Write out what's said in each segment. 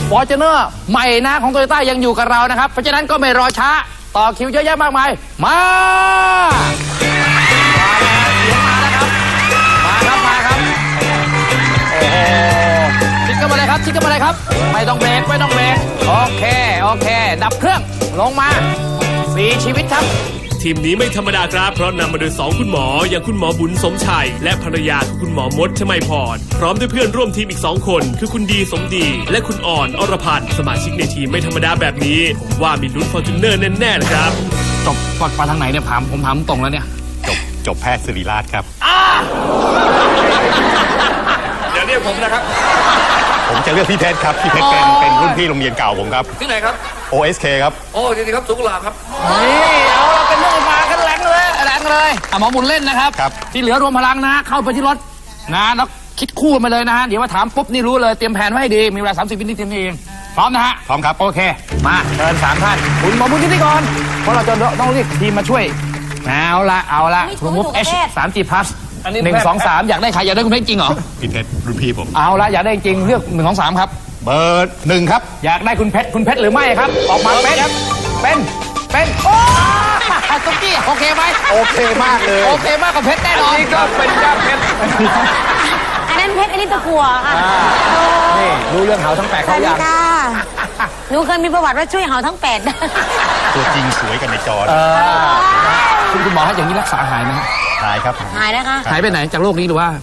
Fortuner ใหม่นะของ Toyota ยังอยู่กับเรานะครับเพราะฉะนั้นก็ไม่รอช้าต่อคิวเยอะแยะมากมายมาชิดกันมาเลยครับชิดกันมาเลยครับไม่ต้องเบรกไม่ต้องเบรกโอเคดับเครื่องลงมา4 ชีวิตครับทีมนี้ไม่ธรรมดาครับเพราะนำมาโดย2 คุณหมออย่างคุณหมอบุญสมชัยและภรรยาคือคุณหมอมดชมัยพรพร้อมด้วยเพื่อนร่วมทีมอีก2 คนคือคุณดีสมดีและคุณอ่อนอรพันธ์สมาชิกในทีมไม่ธรรมดาแบบนี้ผมว่ามีลุ้น Fortuner แน่ๆเลยครับจบมาทางไหนเนี่ยผมถามตรงแล้วเนี่ยจบแพทย์ศิริราชครับเดี๋ยวเรียกผมนะครับผมจะเลือกพี่เพชรครับพี่เพชรเป็นรุ่นพี่โรงเรียนเก่าผมครับที่ไหนครับ OSK ครับโอ้ดีครับสุขลาครับนี่เอาเราเป็นเรื่องมากันแรงเลยหมอบุญเล่นนะครับที่เหลือรวมพลังนะเข้าไปที่รถนะแล้วคิดคู่มาเลยนะฮะเดี๋ยวมาถามปุ๊บนี่รู้เลยเตรียมแผนไว้ให้ดีมีเวลา30 วินาทีเองพร้อมนะฮะพร้อมครับโอเคมาเชิญ3 ท่านคุณหมอบุญที่ก่อนเพราะเราจะต้องเรียกทีมมาช่วยเอาละคุณมุก H3G Plus 1 2 3อยากได้ใครอยากได้คุณเพชรจริงเหรอพี่เพชรรุ่นพี่ผมเอาละอยากได้จริงเลือก1 2 3ครับเบอร์1ครับอยากได้คุณเพชรหรือไม่ครับออกมาเป็นโอ้ตุ๊กกี้โอเคไหมโอเคมากเลยโอเคมากกับเพชรแน่นอนนี่ก็เป็นย่าเพชรอันนั้นเพชรอันนี้ตะกั่วค่ะนี่รู้เรื่องเหาทั้ง8เขาอย่างหนูเคยมีประวัติว่าช่วยเหาทั้ง8 ตัวจริงสวยกันในจอคุณหมออย่างนี้รักษาหายไหมหายครับหายนะคะหายไปไหนจากโลกนี้หรือว่า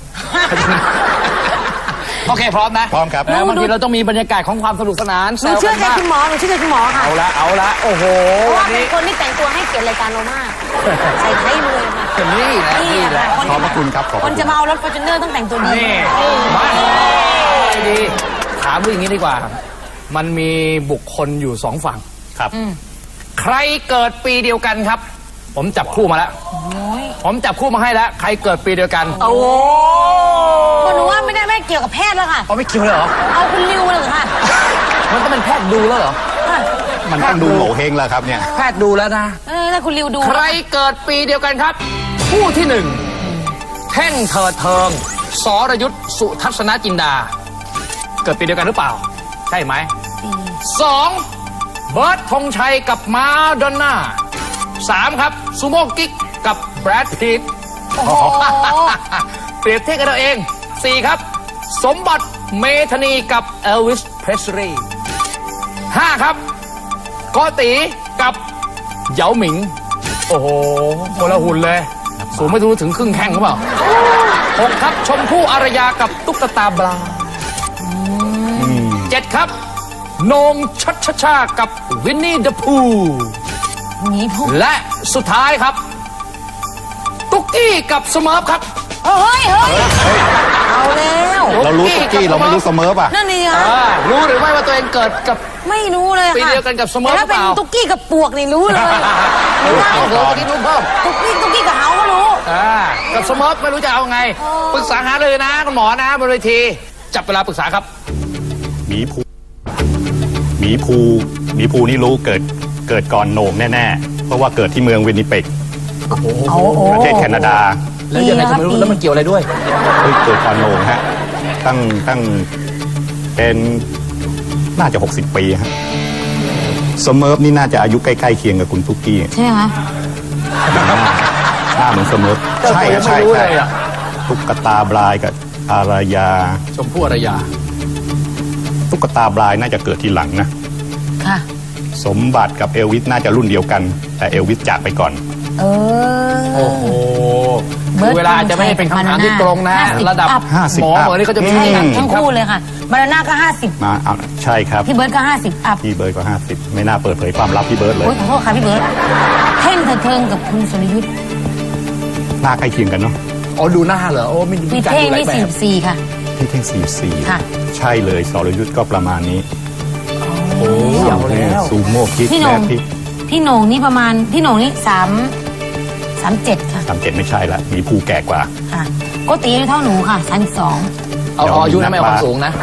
โอเคพร้อมนะพร้อมครับบางทีเราต้องมีบรรยากาศของความสนุกสนานหนูเชื่อใจคุณหมอค่ะเอาละโอ้โหเพราะว่าเป็นคนที่แต่งตัวให้เกียรติรายการเรามากใส่ไทยเลยค่ะนี่แหละขอบพระคุณครับคนจะมาเอารถ Fortuner ต้องแต่งตัวดีมาดีถามอย่างนี้ดีกว่ามันมีบุคคลอยู่2 ฝั่งครับใครเกิดปีเดียวกันครับผมจับคู่มาแล้วผมจับคู่มาให้แล้วใครเกิดปีเดียวกันโอ้หนูว่าไม่เกี่ยวกับแพทย์แล้วค่ะไม่เกี่ยวเลยเหรอเอาคุณริวเลยค่ะมันต้องเป็นแพทย์ดูแล้วเหรอมันต้องดูโหเฮงแล้วครับเนี่ยแพทย์ดูแล้วนะถ้าคุณริวดูใครเกิดปีเดียวกันครับผู้ที่1แท่งเถิดเทิงสรยุทธสุทัศนจินดาเกิดปีเดียวกันหรือเปล่าใช่ไหม2เบิร์ตธงชัยกับมาดอนน่า3ครับซูโม่กิ๊กกับแบรดพีทเปรียบเทียบกันเราเอง4ครับสมบัติเมธานีกับเอลวิสเพรสลีย์5ครับโกติกับเหยาหมิงโอ้โหคนละหุ่นเลยสูงไม่รู้ถึงครึ่งแข้งหรือเปล่า6ครับชมพู่อารยากับตุ๊กตาบลา7ครับโหน่งชัชชากับวินนี่เดอะพูและสุดท้ายครับตุ๊กกี้กับสเมิร์ฟครับเฮ้ยเอาแล้วเรารู้ตุ๊กกี้เราไม่รู้สเมิร์ฟอ่ะนั่นนี่รู้หรือไม่ว่าตัวเองเกิดกับไม่รู้เลยค่ะปีเดียวกันกับสเมิร์ฟถ้าเป็นตุ๊กกี้กับปวกนี่รู้เลยเอาเหรอวันนี้รู้เพิ่มตุ๊กกี้กับเฮาก็รู้กับสเมิร์ฟไม่รู้จะเอาไงปรึกษาหาเลยนะคุณหมอนะบนเวทีจับเวลาปรึกษาครับหมีภูนี่รู้เกิดก่อนโหน่งแน่ๆเพราะว่าเกิดที่เมืองวินนิเป็กประเทศแคนาดาแล้วยังไงก็ไม่รู้แล้วมันเกี่ยวอะไรด้วยเกิดก่อนโหน่งฮะตั้งเป็นน่าจะ60 ปีฮะสเมิร์ฟนี่น่าจะอายุใกล้ๆเคียงกับคุณตุ๊กกี้ใช่ไหมหน้าเหมือนสเมิร์ฟใช่ตุ๊กตาบลายกับอารยาชมพู่อารยาตุ๊กตาบลายน่าจะเกิดทีหลังนะค่ะสมบัติกับเอลวิสน่าจะรุ่นเดียวกันแต่เอลวิสจากไปก่อนโอ้โหเวลาจะไม่เป็นคำถามที่ตรงนะระดับหมอนี่เขาจะมีทั้งคู่เลยค่ะมาราน่าก็50 มาใช่ครับพี่เบิร์ดก็50อัพพี่เบิร์ดก็50ไม่น่าเปิดเผยความลับพี่เบิร์ดเลยขอโทษค่ะพี่เบิร์ดเท่งเทิงกับคุณสรยุทธหน้าใกล้เคียงกันเนาะดูหน้าเหรอมีเท่งนี่44ค่ะพี่เท่ง44ค่ะใช่เลยสรยุทธก็ประมาณนี้โอ้ยแล้วซูโม่กิ๊กพี่โหน่งนี่ประมาณพี่โหน่งนี่37ค่ะ 37ไม่ใช่ละมีภูแก่กว่าค่ะโกติเท่าหนูค่ะ32 เอาอายุนะไม่เอาความสูงนะ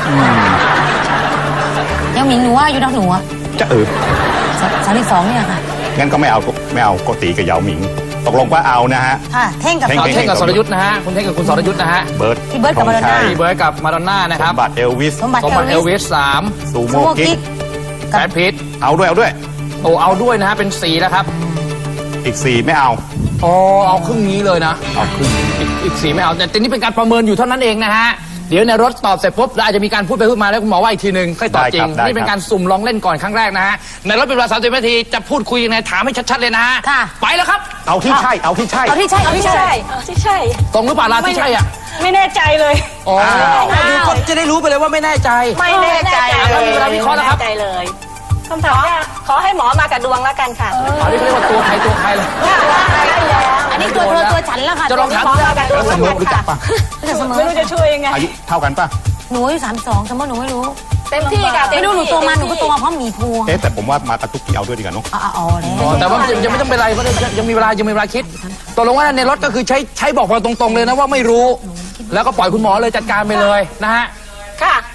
เหยาหมิงหนูว่าอายุเท่าหนูอะจะ32 เนี่ยค่ะงั้นก็ไม่เอาโกติกับเหยาหมิงตกลงว่าเอานะฮะค่ะ เท่งกับเท่งเอาเท่งกับสรยุทธ์นะฮะคุณเท่งกับคุณสรยุทธ์นะฮะเบิร์ดพี่เบิร์ดกับมาดอนน่าพี่เบิร์ดกับมาดอนน่านะสครับมบัติเอลวิสสมบัติสมบัติเอลวิสสามซูซูโม่โม่กิ๊กิ๊กกแบทพิทเอาด้วยโอ้เอาด้วยนะฮะเป็น4แล้วครับอีก 4 ไม่เอาอ๋อเอาครึ่งนี้เลยนะเอาครึ่งอีก4ไม่เอาแต่นี่เป็นการประเมินอยู่เท่านั้นเองนะฮะเดี๋ยวในรถตอบเสร็จปุ๊บแล้วอาจจะมีการพูดไปพูดมาแล้วคุณหมอว่าอีกทีหนึ่งค่อยตอบจริงนี่เป็นการสุ่มลองเล่นก่อนครั้งแรกนะฮะในรถเป็นเวลา30 นาทีจะพูดคุยยังไงถามให้ชัดๆเลยนะฮะค่ะไปแล้วครับเอาที่ใช่เอาที่ใช่เอาที่ใช่เอาที่ใช่ที่ใช่ตรงหรือเปล่าล่ะที่ใช่อ่ะไม่แน่ใจเลยอ๋ออ้าวดูก็จะได้รู้ไปเลยว่าไม่แน่ใจไม่แน่ใจแล้วมีเวลาวิเคราะห์แล้วครับไม่แน่ใจเลยคำถามแรกขอให้หมอมากับดวงแล้วกันค่ะอันนี้เขาเรียกว่าตัวใครตัวใครเลยอันนี้ตัวเธอตัวฉันแล้วค่ะจะลองถามหมอมากับดวงแล้วเสแล้วมอรู้จักันค่ะกปะจะเสมอไม่รู้จะช่วยยังไงอายุเท่ากันปะหนูอายุ32แต่ว่าหนูไม่รู้เต็มที่ค่ะไม่รู้หนูโตมาหนูก็โตมาเพราะหมีภูเอ๊ะแต่ผมว่ามากับทุกที่เอาด้วยดีกว่าเนาะอ๋อแล้วอ๋อแต่ว่ายังไม่ต้องเป็นไรเพราะยังมีเวลาคิดตกลงว่าในรถก็คือใช้บอกเราตรงๆเลยนะว่าไม่รู้ แล้วก็ปล่อยคุณหมอเลยจัดการไปเลยนะฮะค่ะ